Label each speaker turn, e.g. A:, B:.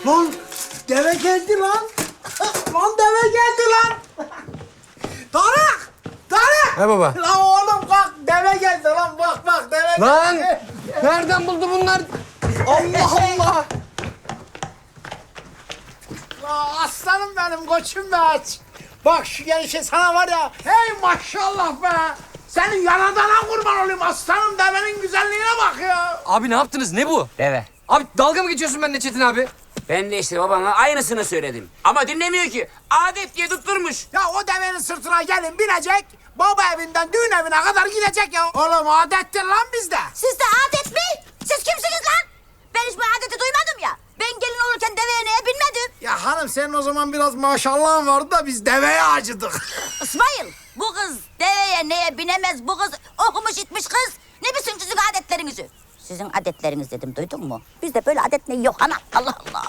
A: Lan deve geldi lan. Lan deve geldi lan. Tarık! Tarık!
B: He baba.
A: Lan oğlum kalk deve geldi lan bak deve
B: Lan!
A: geldi.
B: Nereden buldu bunlar? Allah Allah!
A: Aa, aslanım benim koçum be aç. Bak şu gelişe sana var ya. Hey maşallah be. Senin yanadana kurban olayım aslanım devenin güzelliğine bak ya.
B: Abi ne yaptınız? Ne bu?
C: Deve.
B: Abi dalga mı geçiyorsun benimle Çetin abi?
C: Ben de işte babana aynısını söyledim. Ama dinlemiyor ki. Adet diye tutturmuş.
A: Ya o devenin sırtına gelin binecek. Baba evinden düğün evine kadar gidecek ya. Oğlum adettir lan bizde.
D: Sizde adet mi? Siz kimsiniz lan? Ben hiç bu adeti duymadım ya. Ben gelin olurken deveye neye binmedim.
A: Ya hanım senin o zaman biraz maşallahın vardı da biz deveye acıdık.
D: İsmail, bu kız deveye neye binemez. Bu kız okumuş itmiş kız. Ne bilsin sizin adetlerinizi? Sizin adetleriniz dedim, duydun mu? Bizde böyle adet ne yok ana. Allah Allah.